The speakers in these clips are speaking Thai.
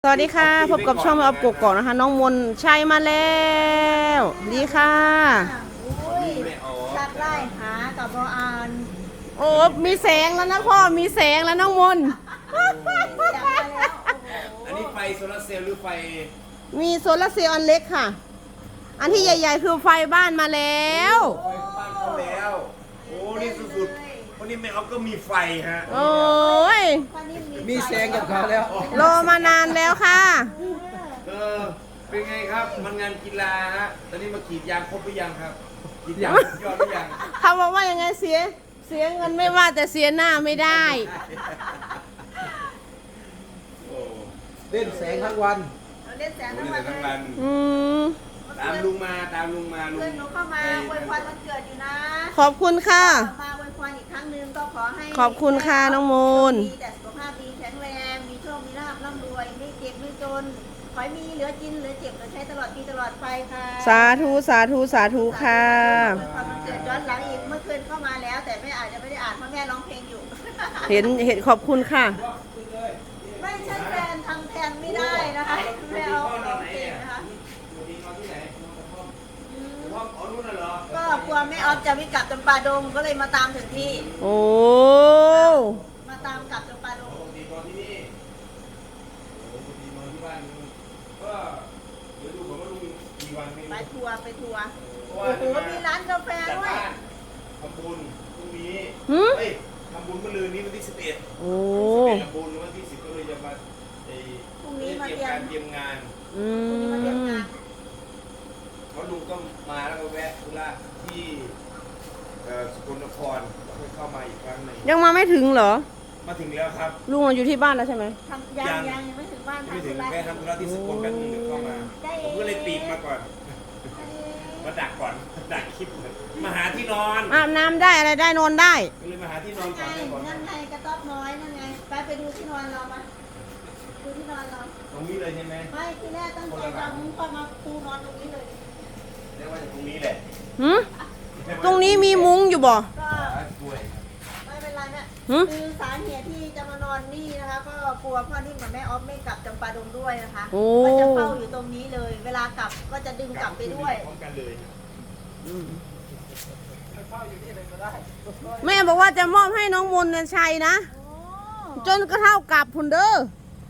สวัสดีค่ะพบกับช่องแม่ออฟกกอกนะคะน้องมนชัยมาแล้วดีค่ะจัดไล่หากับบออานโอ้มีแสงแล้วนะพ่อมีแสงแล้วน้องมนจัดมาแล้วอันนี้ไฟโซลาร์เซลล์หรือไฟมีโซลาร์เซลล์อันเล็กค่ะอันที่ใหญ่ๆคือไฟบ้านมาแล้วไฟบ้านเขาแล้ว โอ้นี่สุดๆวันนี้แม่เอาก็มีไฟฮะโอ้ยมีแสงกับเขาแล้วรอมานานแล้วค่ะเป็นไงครับมันงานกีฬาฮะตอนนี้มากรีดยางครบหรือยังครับกรีดยางยอดหรือยังเขาบอกว่ายังไงเสียเงินไม่ว่าแต่เสียหน้าไม่ได้โอ้เล่นแสงทั้งวันเราเล่นแสงโหทั้งนี่วัแต่นทั้งวันอืมตามลุงมาลุงเพื่อนหนูเข้ามาอวยพรวันเกิดอยู่นะขอบคุณค่ะมาอวยพรอีกครั้งหนึ่งก็ขอให้ขอบคุณค่ะน้องมนมีแต่สุขภาพดีแข็งแรงมีโชคมีลาภร่ำรวยไม่เจ็บไม่จนขอให้มีเหลือกินเหลือเจ็บเหลือใช้ตลอดปีตลอดไปค่ะสาธุสาธุสาธุค่ะอวยพรวันเกิดย้อนหลังอีกเมื่อคืนเข้ามาแล้ว แต่แม่อาจจะไม่ได้อ่านเพราะแม่ร้องเพลงอยู่เห็นขอบคุณค่ะไม่ใช่แฟนทำแทนไม่ได้นะคะแม่เอาร้องเพลงนะคะปกตินอนที่ไหนนอนกระท่อมกระท่อมอ๋อนู่นน่ะเหรอก็กลัวแม่ออฟจะไม่กลับจำปาดงก็เลยมาตามถึงที่โอ้มาตามกลับจำปาดงปกตินอนที่นี่โอ้ปกตินอนที่บ้านนู่นก็เดี๋ยวดูผมว่าลุงกี่วันไม่ไปรู้ทัวร์ไปทัวร์เพราะโอ้ว่าโหมีร้านกาแฟจัดด้วยบ้านทำบุญพรุ่งนี้หืมเฮ้ยทำบุญเมื่อลืนนี้วันที่11 โอ้ทำบุญวันที่10ก็เลยจะมาไอ้พรุ่งนี้มาเตรีเตรียยมมการเตรียมงานอืพรุ่งนี้มาเตรียมมงานเพราะลุงก็มาแล้วก็แวะธุระที่สกลนครแล้วก็เข้ามาอีกครั้งหนึ่งยังมาไม่ถึงเหรอมาถึงแล้วครับลุงอยู่ที่บ้านแล้วใช่ไหมทำยังไม่ถึงบ้านไม่ทำถึธุงระแวะทำธุระที่สกลแป๊บนึงเดี๋ยวเข้ามาผมก็เลยปีกมาก่อน มาดักก่อนดักคลิปเลยมาหาที่นอนอาบน้ำได้อะไรได้นอนได้ก็เลยมาหาที่นอนไงก่อนได้ก่อนนั่นไงกระต๊อบน้อยนั่นไงไปดูที่นอนเรามาดูที่นอนเราตรงนี้เลยใช่ไหมไม่ที่แรกตั้งใจจะมุ้งก็มาปูนอนตรงนี้เลยเรียกว่าตรงนี้แหละหืมตรงนี้มีมุ้งอยู่บ่ก็ช่วยไม่เป็นไรแม่หืมคือสาเหตุที่จะมานอนนี่นะคะ ก็กลัวพ่อนิ่มกับแม่ออฟไม่กลับจำปาดงด้วยนะคะโอ้ก็จะเฝ้าอยู่ตรงนี้เลย เวลากลับก็จะดึงกลับไปด้วยพร้อมกันเลยแม่บอกว่าจะมอบให้น้องมนต์ชัยนะโอ้จนกระเท่ากับพุนเด้อโห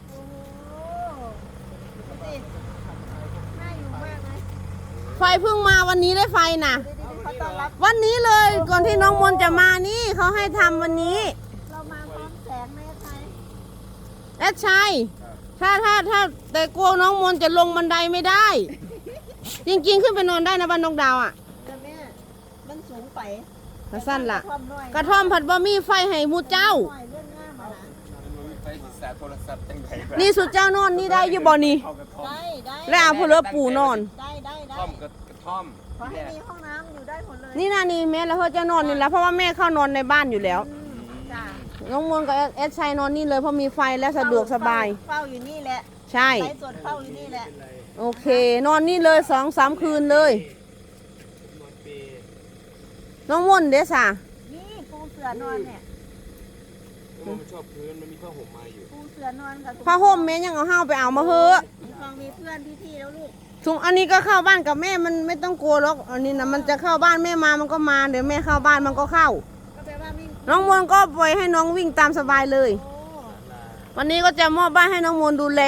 ดูสิน่าอยู่มากนะไฟเพิ่งมาวันนี้ได้ไฟนะดูดิเขาต้อนรับวันนี้เลยก่อนที่น้องมนต์จะมานี่เขาให้ทำวันนี้เรามาพร้อมแสงแม่ไทยแอดชัยถ้าแต่กลัวน้องมนต์จะลงบันไดไม่ได้ จริงๆขึ้นไปนอนได้นะบ้านนกดาวอ่ะแต่แม่มันสูงไปกระสั้นล่ะกระท่อมน้อยกระท่อมผัดบะหมี่ไฟให้หมูเจ้าน้อยเรื่องง่ามอะนะไปศึกษาโทรศัพท์ตั้งแต่นี่สุดเจ้านอนนี่ได้อยู่บ่นี่เข้ากระท่อมได้แล้วเอาพลเรือปูนอนได้กระท่อมกระท่อมขอให้มีห้องน้ำอยู่ได้หมดเลยนี่นะนี่แม่แล้วเขาจะนอนนี่แหละเพราะว่าแม่เข้านอนในบ้านอยู่แล้วจ้ะน้องมนต์กับแอดชัยนอนนี่เลยเพราะมีไฟและสะดวกสบายเฝ้าอยู่นี่แหละใช่ไลฟ์สดเฝ้าอยู่นี่แหละโอเค นอนนี่เลย2-3 คืนเลยนอนเปรย์น้องมนต์เด้อสะนี่ปูเสือนอนเนี่ยแล้วมันชอบพื้นมันมีผ้าห่มมาอยู่ปูเสือนอนกับผ้าห่มแม่ยังเอาห้าวไปเอามาเฮ้อะฟังมีเพื่อนพี่ๆแล้วลูกถุงอันนี้ก็เข้าบ้านกับแม่มันไม่ต้องกลัวหรอกอันนี้นะมันจะเข้าบ้านแม่มามันก็มาเดี๋ยวแม่เข้าบ้านมันก็เข้าก็แปลว่าไม่น้องมนต์ก็ปล่อยให้น้องวิ่งตามสบายเลยโอ้วันนี้ก็จะมอบบ้านให้น้องมนต์ดูแล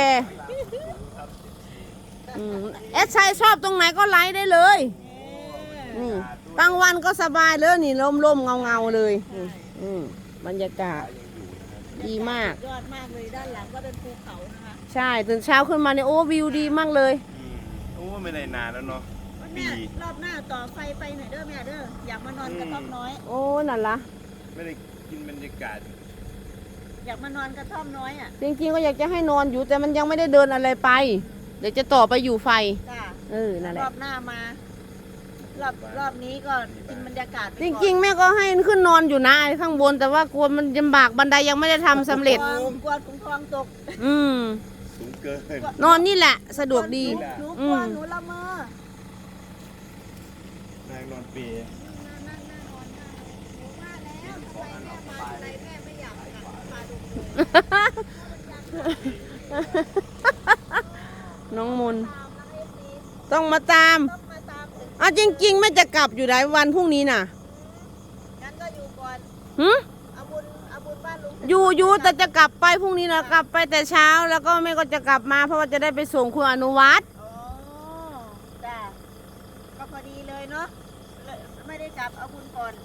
แอดชัยชอบตรงไหนก็ไลฟ์ได้เลยนี่กลางวันก็สบายเลยนี่ร่มๆเงาๆเลยนี่บรรยากาศดีมากยอดมากเลยด้านหลังก็เป็นภูเขานะคะใช่ตื่นเช้าขึ้นมาเนี่ยโอ้วิวดีมากเลยโอ้ไม่ได้นานแล้วเนาะวันปีเนี้ยรอบหน้าต่อไฟไปหน่อยเด้อแม่เด้ออยากมานอนกระท่อมน้อยโอ้นั่นละไม่ได้กินบรรยากาศอยากมานอนกระท่อมน้อยอ่ะจริงๆก็อยากจะให้นอนอยู่แต่มันยังไม่ได้เดินอะไรไป เดี๋ยวจะต่อไปอยู่ไฟจ้ะนั่นแหรละอบหน้ามารอบนี้ก็กินบรรยากาศไปจก่อนริงๆแม่ก็ให้ขึ้นนอนอยู่นะข้างบนแต่ว่ากลัวมันลำบากบันไดยังไม่ได้ทำสำเร็จกลัวถุงทองตกอืมสูงเกินนอนนี่แหละสะดวกดีหนูกลัวหนูละเมอนางนอนเปรย์นั่งนอนหนูว่าแล้วทำไมแม่มาอะไรแม่ไม่อยากกลับมาดูเลยน้องมนต์ตามนะเอฟซีต้องมาตามต้องมาตามถึงอ้าวจริงๆไม่จะกลับอยู่หลายวันพรุ่งนี้น่ะงั้นก็อยู่ก่อนหืมเอาบุญบ้านลุงอยู่แต่จะกลับไปพรุ่งนี้นะกลับไปแต่เช้าแล้วก็แม่ก็จะกลับมาเพราะว่าจะได้ไปส่งคุณอนุวัฒน์อ๋อจ้ะก็พอดีเลยเนาะไม่ได้กลับเอาบุญก่อน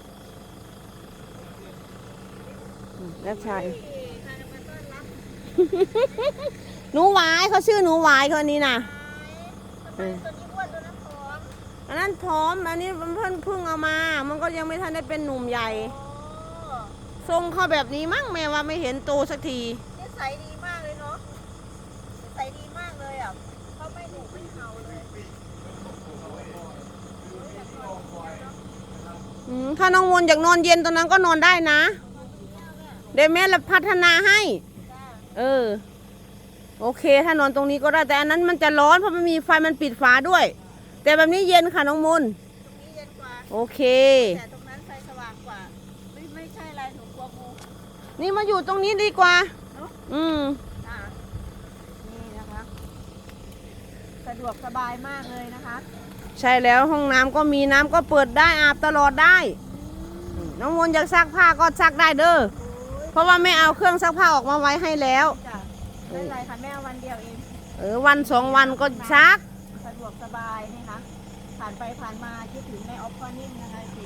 แล้วใช่ใครจะมาต้อนรับหนูหวายเขาชื่อหนูหวายคนนี้น่ะทำไมตัวนี้อ้วนตัวนั้นผอมอันนั้นพร้อมอันนี้มันเพิ่งเอามา มันก็ยังไม่ทันได้เป็นหนุ่มใหญ่อ๋อทรงเขาแบบนี้มั้งแม่ว่าไม่เห็นโตสักทีนิสัยดีมากเลยเนาะนิสัยดีมากเลยอ่ะเขาไม่ดุไม่เห่าเลยถ้าน้องมนต์อยากนอนเย็นตรงนั้นก็นอนได้นะ เดี๋ยวแม่ละพัฒนาให้จ้าเออ โอเค ถ้านอนตรงนี้ก็ได้แต่อันนั้นมันจะร้อนเพราะมันมีไฟมันปิดฝาด้วย แต่แบบนี้เย็นค่ะน้องมนต์ตรงนี้เย็นกว่าโอเคแต่ตรงนั้นไฟสว่างกว่าไม่ใช่อะไรหนูกลัวงูนี่มาอยู่ตรงนี้ดีกว่าเนาะอืมจ้านี่นะคะสะดวกสบายมากเลยนะคะใช่แล้วห้องน้ำก็มีน้ำก็เปิดได้อาบตลอดได้ น้องมนต์อยากซักผ้าก็ซักได้เด้อ เพราะว่าไม่เอาเครื่องซักผ้าออกมาไว้ให้แล้วจ้ะไม่เป็นไรค่ะแม่เอาวันเดียวเองวันสองวันก็ซักสะดวกสบายนะคะผ่านไปผ่านมาคิดถึงแม่ออฟก็นิ่งนะคะสิ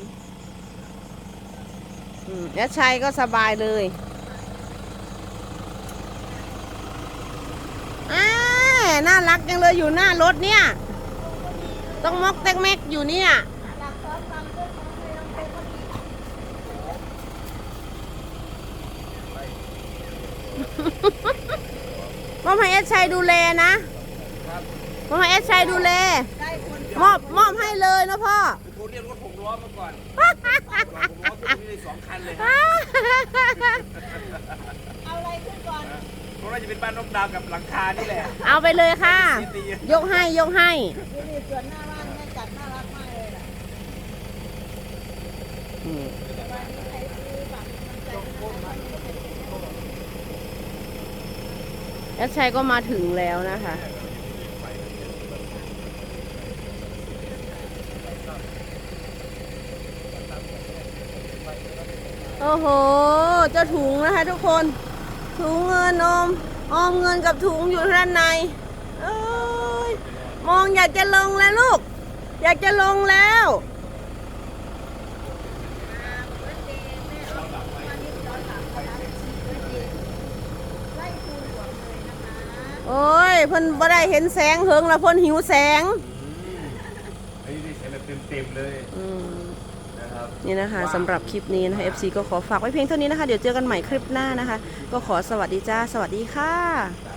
แล้วชัยก็สบายเลยน่ารักจังเลยอยู่หน้ารถเนี่ย ต้องมอกแตกแม็กอยู่เนี่ยหลักซ้อนความเรื่องของเรื่องเป็นคนดีมอบให้เอสชัยดูแลนะมอบให้เอสชัยดูแลได้คนมอบให้เลยนะพ่อโทรเรียกรถหกล้อมาก่อนรถหกล้อขึ้นนี่ได้2 คันเลยฮะเอาอะไรขึ้นก่อนเพราะว่าจะเป็นบ้านนกดาวกับหลังคานี่แหละเอาไปเลยค่ะ ยกให้ยกให้ดูดิสวนหน้าบ้านแม่จัดน่ารักมากเลยล่ะแต่ว่านี่ใครซื้อแบบมันใจนะคะเอสชัยก็มาถึงแล้วนะคะ โอ้โห เจ้าถุงนะคะทุกคน ถุงเงินออมเงินกับถุงอยู่ด้านในเอ้ยมองอยากจะลงแล้วลูก อยากจะลงแล้ว โอ้ยเพิ่นบ่ได้เห็นแสงเหิงแล้วเพิ่นหิวแสงไอ้นี่ใช้แบบเต็มๆเลยนะครับนี่นะคะสำหรับคลิปนี้นะคะ FC ก็ขอฝากไว้เพียงเท่านี้นะคะ เดี๋ยวเจอกันใหม่คลิปหน้านะคะ ก็ขอสวัสดีจ้า สวัสดีค่ะ